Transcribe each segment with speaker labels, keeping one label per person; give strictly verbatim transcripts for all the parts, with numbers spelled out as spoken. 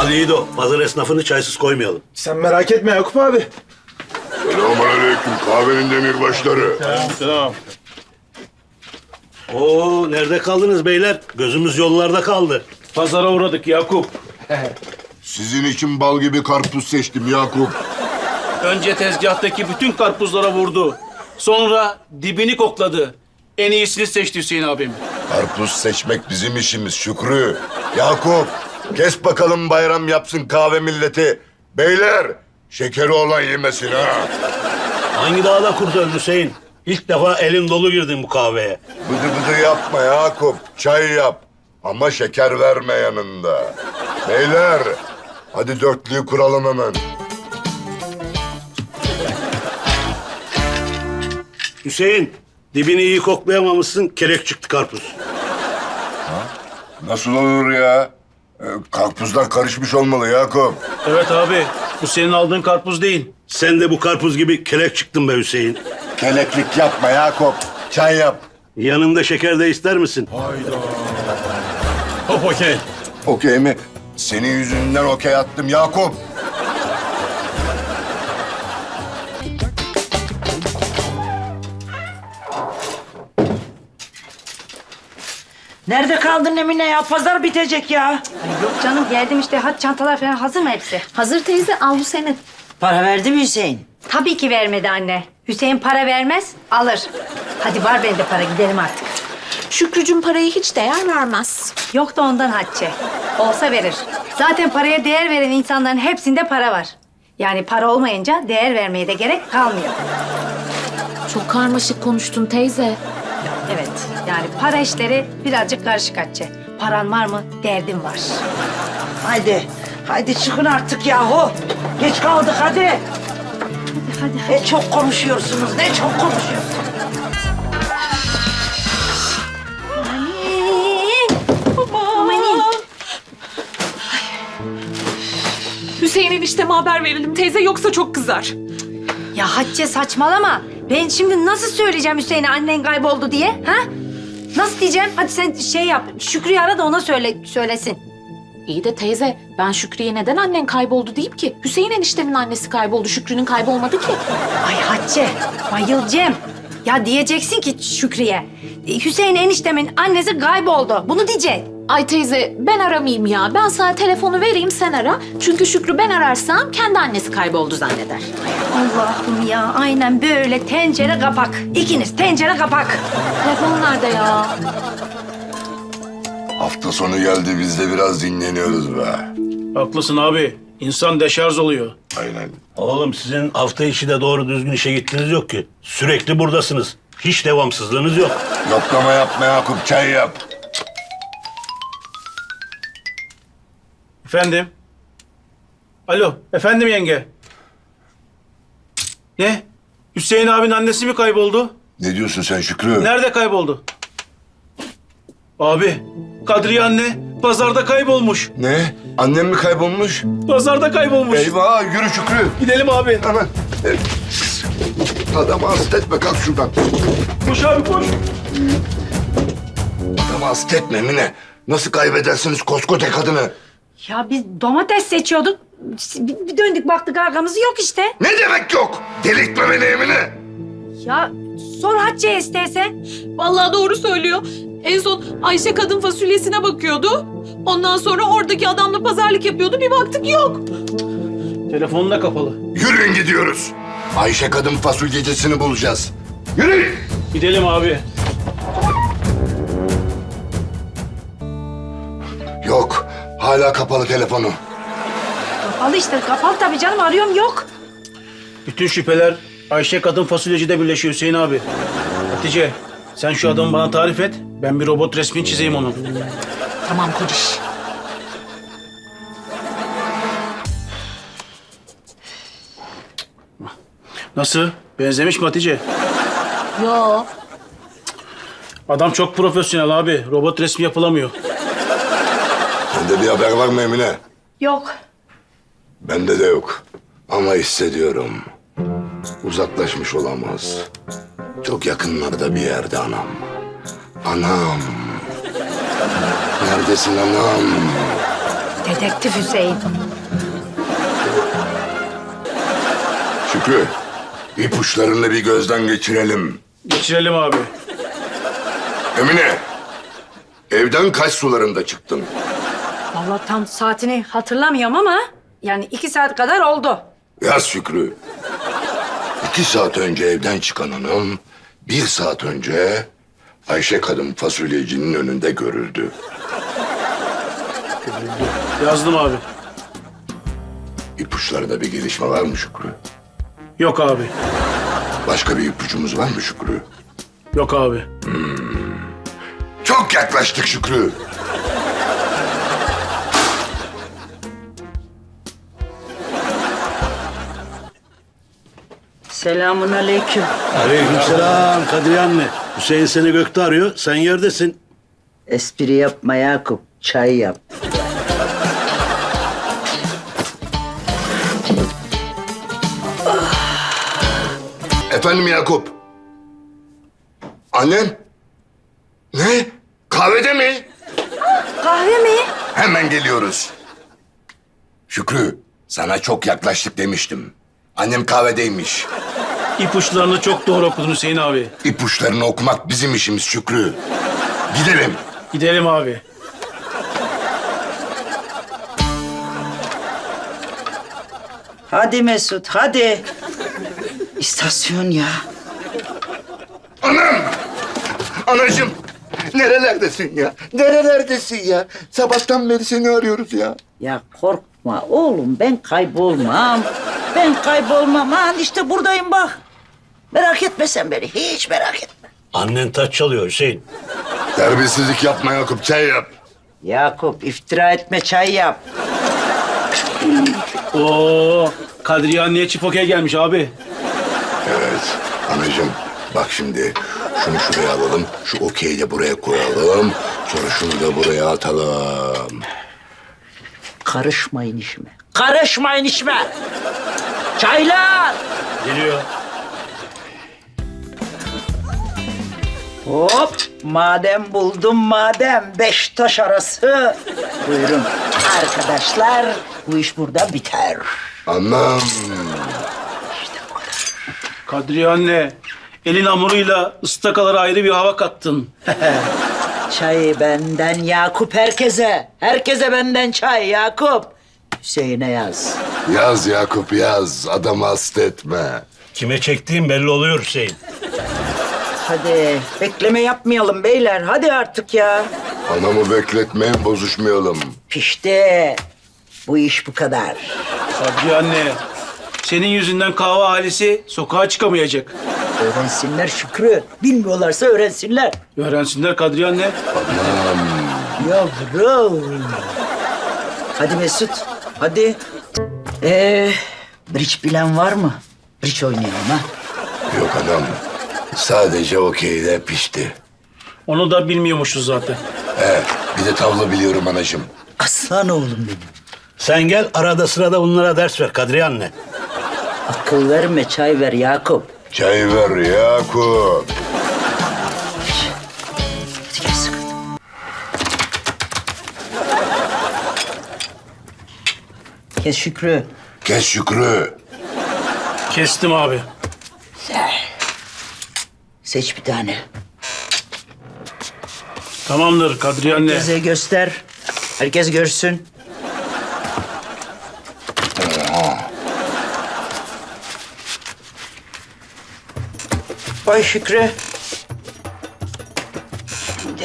Speaker 1: Aman iyi de o. Pazar esnafını çaysız koymayalım.
Speaker 2: Sen merak etme Yakup abi.
Speaker 3: Selamünaleyküm kahvenin demirbaşları.
Speaker 2: Selam.
Speaker 1: Oo, nerede kaldınız beyler? Gözümüz yollarda kaldı.
Speaker 2: Pazara uğradık Yakup.
Speaker 3: Sizin için bal gibi karpuz seçtim Yakup.
Speaker 2: Önce tezgahtaki bütün karpuzlara vurdu. Sonra dibini kokladı. En iyisini seçti Hüseyin abim.
Speaker 3: Karpuz seçmek bizim işimiz Şükrü. Yakup, kes bakalım bayram yapsın kahve milleti. Beyler, şekeri olan yemesin ha.
Speaker 1: Hangi dağda kurt öldü Hüseyin? İlk defa elim dolu girdim bu kahveye.
Speaker 3: Bıdı bıdı yapma Yakup, çay yap. Ama şeker verme yanında. Beyler, hadi dörtlüyü kuralım hemen.
Speaker 1: Hüseyin, dibini iyi koklayamamışsın, kelek çıktı karpuz.
Speaker 3: Nasıl olur ya? Ee, Karpuzlar karışmış olmalı Yakup.
Speaker 2: Evet abi, bu senin aldığın karpuz değil.
Speaker 1: Sen de bu karpuz gibi kelek çıktın be Hüseyin.
Speaker 3: Keleklik yapma Yakup, çay yap.
Speaker 1: Yanında şeker de ister misin?
Speaker 2: Hop okey.
Speaker 3: Okey mi? Senin yüzünden okey attım Yakup.
Speaker 4: Nerede kaldın Emine ya? Pazar bitecek ya.
Speaker 5: Ay yok canım geldim işte. Hadi çantalar falan hazır mı hepsi?
Speaker 6: Hazır teyze, al bu senin.
Speaker 4: Para verdi mi Hüseyin?
Speaker 5: Tabii ki vermedi anne. Hüseyin para vermez, alır. Hadi var bende para, gidelim artık.
Speaker 6: Şükrücüm parayı hiç değer vermez.
Speaker 5: Yok da ondan Hatice. Olsa verir. Zaten paraya değer veren insanların hepsinde para var. Yani para olmayınca değer vermeye de gerek kalmıyor.
Speaker 6: Çok karmaşık konuştun teyze.
Speaker 5: Evet, yani para işleri birazcık karışık Hatice. Paran var mı? Derdin var.
Speaker 4: Haydi. Haydi çıkın artık yahu. Geç kaldık hadi.
Speaker 5: Hadi hadi. hadi.
Speaker 4: Ne çok konuşuyorsunuz, ne çok konuşuyorsunuz.
Speaker 5: Amanin.
Speaker 6: Hüseyin enişteme haber verelim teyze, yoksa çok kızar.
Speaker 5: Ya Hatice saçmalama. Ben şimdi nasıl söyleyeceğim Hüseyin'e annen kayboldu diye? Ha? Nasıl diyeceğim? Hadi sen şey yap. Şükrü'yü ara da ona söyle, söylesin.
Speaker 6: İyi de teyze, ben Şükrü'ye neden annen kayboldu deyip ki? Hüseyin eniştemin annesi kayboldu, Şükrü'nün kaybolmadı ki.
Speaker 5: Ay Hatice, bayılacağım. Ya diyeceksin ki Şükrü'ye. Hüseyin eniştemin annesi kayboldu. Bunu diyeceksin.
Speaker 6: Ay teyze, ben aramayayım ya. Ben sana telefonu vereyim, sen ara. Çünkü Şükrü ben ararsam kendi annesi kayboldu zanneder.
Speaker 5: Allah'ım ya, aynen böyle tencere kapak. İkiniz tencere kapak.
Speaker 6: Telefon nerede ya?
Speaker 3: Hafta sonu geldi, biz de biraz dinleniyoruz be.
Speaker 2: Haklısın abi. İnsan deşarj oluyor.
Speaker 3: Aynen.
Speaker 1: Oğlum sizin hafta içi de doğru düzgün işe gittiniz yok ki. Sürekli buradasınız. Hiç devamsızlığınız yok.
Speaker 3: Yoklama yapma Yakup, çay yap.
Speaker 2: Efendim? Alo, efendim yenge. Ne? Hüseyin abinin annesi mi kayboldu?
Speaker 3: Ne diyorsun sen Şükrü?
Speaker 2: Nerede kayboldu? Abi, Kadriye anne pazarda kaybolmuş.
Speaker 3: Ne? Annem mi kaybolmuş?
Speaker 2: Pazarda kaybolmuş.
Speaker 3: Eyvah, yürü Şükrü.
Speaker 2: Gidelim abi.
Speaker 3: Hemen. Evet. Adamı hasta etme, kalk şuradan.
Speaker 2: Koş abi koş.
Speaker 3: Adamı hasta etme Mine. Nasıl kaybedersiniz koskoca kadını?
Speaker 5: Ya biz domates seçiyorduk. Bir, bir döndük baktık arkamızı yok işte.
Speaker 3: Ne demek yok? Delirtme beni Emine.
Speaker 5: Ya sor Hatice'ye istersen.
Speaker 6: Vallahi doğru söylüyor. En son Ayşe kadın fasulyesine bakıyordu. Ondan sonra oradaki adamla pazarlık yapıyordu. Bir baktık yok.
Speaker 2: Telefonun da kapalı.
Speaker 3: Yürüyün gidiyoruz. Ayşe kadın fasulyecisini bulacağız. Yürü.
Speaker 2: Gidelim abi.
Speaker 3: Yok. Hala kapalı telefonu.
Speaker 5: Kapalı işte kapalı tabii canım arıyorum yok.
Speaker 2: Bütün şüpheler Ayşe kadın fasulyecide birleşiyor Hüseyin abi. Hatice, sen şu adamı bana tarif et. Ben bir robot resmini çizeyim onun.
Speaker 6: Tamam kociş.
Speaker 2: Nasıl? Benzemiş mi Hatice?
Speaker 6: Yo.
Speaker 2: Adam çok profesyonel abi. Robot resmi yapılamıyor.
Speaker 3: Sende bir haber var mı Emine?
Speaker 5: Yok.
Speaker 3: Bende de yok. Ama hissediyorum. Uzaklaşmış olamaz. Çok yakınlarda bir yerde anam. Anam. Neredesin anam?
Speaker 5: Dedektif Hüseyin.
Speaker 3: Şükrü, ipuçlarını bir gözden geçirelim.
Speaker 2: Geçirelim abi.
Speaker 3: Emine, evden kaç sularında çıktın?
Speaker 5: Vallahi tam saatini hatırlamıyorum ama yani iki saat kadar oldu.
Speaker 3: Yaz Şükrü. İki saat önce evden çıkan hanım, bir saat önce Ayşe kadın fasulyecinin önünde görüldü.
Speaker 2: Yazdım abi.
Speaker 3: İpuçlarında bir gelişme var mı Şükrü?
Speaker 2: Yok abi.
Speaker 3: Başka bir ipucumuz var mı Şükrü?
Speaker 2: Yok abi.
Speaker 3: Çok yaklaştık Şükrü.
Speaker 4: Selamun aleyküm.
Speaker 1: Aleykümselam Kadriye anne. Hüseyin seni gökte arıyor. Sen yerdesin.
Speaker 4: Espri yapma Yakup. Çay yap.
Speaker 3: Efendim Yakup. Annen? Ne? Kahvede mi?
Speaker 5: Kahve mi?
Speaker 3: Hemen geliyoruz. Şükrü, sana çok yaklaştık demiştim. Annem kahvedeymiş.
Speaker 2: İpuçlarını çok doğru okudun Hüseyin abi.
Speaker 3: İpuçlarını okumak bizim işimiz Şükrü. Gidelim.
Speaker 2: Gidelim abi.
Speaker 4: Hadi Mesut hadi. İstasyon ya.
Speaker 3: Anam! Anacığım! Nerelerdesin ya? Nerelerdesin ya? Sabahtan beri seni arıyoruz ya.
Speaker 4: Ya korkma oğlum ben kaybolmam. Ben kaybolmam. Ha işte buradayım bak. Merak etme sen beni. Hiç merak etme.
Speaker 1: Annen taç çalıyor Hüseyin.
Speaker 3: Terbiyesizlik yapma Yakup, çay yap.
Speaker 4: Yakup iftira etme çay yap.
Speaker 2: Oo, Kadriye anneye çift okey gelmiş abi.
Speaker 3: Evet, anacığım. Bak şimdi, şunu şuraya alalım, şu okeyi de buraya koyalım. Sonra şunu da buraya atalım.
Speaker 4: Karışmayın işime. Karışmayın işime. Çaylar.
Speaker 1: Geliyor.
Speaker 4: Hop madem buldum madem beş taş arası. Buyurun arkadaşlar bu iş burada biter.
Speaker 3: Anam.
Speaker 2: Kadriye anne, elin hamuruyla ıstakalara ayrı bir hava kattın.
Speaker 4: Çay benden Yakup herkese. Herkese benden çay Yakup. Hüseyin'e yaz.
Speaker 3: Yaz Yakup yaz, adamı hasta etme.
Speaker 1: Kime çektiğim belli oluyor Hüseyin.
Speaker 4: Hadi bekleme yapmayalım beyler. Hadi artık ya.
Speaker 3: Anamı bekletmeyin, bozuşmayalım.
Speaker 4: Pişti. Bu iş bu kadar.
Speaker 2: Kadriye anne, senin yüzünden kahve ailesi sokağa çıkamayacak.
Speaker 4: Öğrensinler Şükrü. Bilmiyorlarsa öğrensinler.
Speaker 2: Öğrensinler Kadriye anne.
Speaker 4: Yavrum. Hadi Mesut. Hadi. Ee, bridge bilen var mı? Bridge oynayalım ha.
Speaker 3: Yok anam, sadece okeyde pişti.
Speaker 2: Onu da bilmiyormuşuz zaten.
Speaker 3: He, bir de tavla biliyorum anacığım.
Speaker 4: Aslan oğlum benim.
Speaker 1: Sen gel arada sırada bunlara ders ver Kadriye anne.
Speaker 4: Akıl verme çay ver Yakup.
Speaker 3: Çay ver Yakup.
Speaker 4: Hadi gel sıkı. Kes Şükrü.
Speaker 3: Kes Şükrü.
Speaker 2: Kestim abi.
Speaker 4: Güzel. Seç bir tane.
Speaker 2: Tamamdır Kadriye anne.
Speaker 4: Herkese göster. Herkes görsün. Vay Şükrü. Şimdi.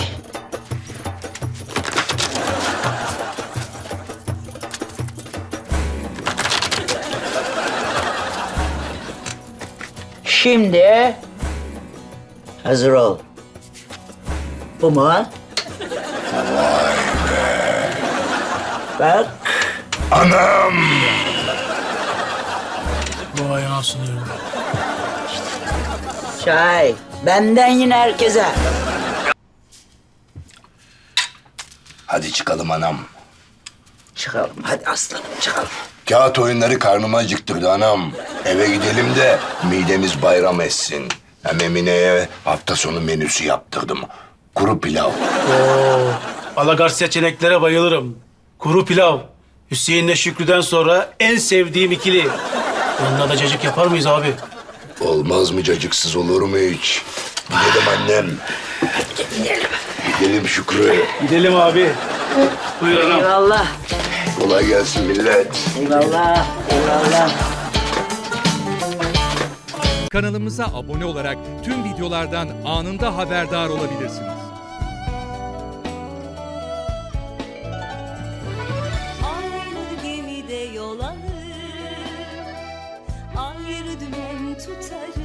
Speaker 4: Şimdi hazır ol. Bu mu? Vay be. Bak.
Speaker 3: Anam!
Speaker 2: Vay anasını.
Speaker 4: Çay. Benden yine herkese.
Speaker 3: Hadi çıkalım anam.
Speaker 4: Çıkalım hadi aslanım çıkalım.
Speaker 3: Kağıt oyunları karnıma acıktırdı anam. Eve gidelim de midemiz bayram etsin. Hem Emine'ye hafta sonu menüsü yaptırdım. Kuru pilav.
Speaker 2: Oo, Alagar seçeneklere bayılırım. Kuru pilav. Hüseyin'le Şükrü'den sonra en sevdiğim ikili. Yanına da cacık yapar mıyız abi?
Speaker 3: Olmaz mı cacıksız olur mu hiç? Gidelim annem. Gidelim. Gidelim Şükrü.
Speaker 2: Gidelim abi. Buyur anam.
Speaker 4: Eyvallah.
Speaker 3: Kolay gelsin millet.
Speaker 4: Eyvallah. Eyvallah.
Speaker 7: Kanalımıza abone olarak tüm videolardan anında haberdar olabilirsiniz.
Speaker 8: Aynı gemide yol alır, ayrı dümen tutarız.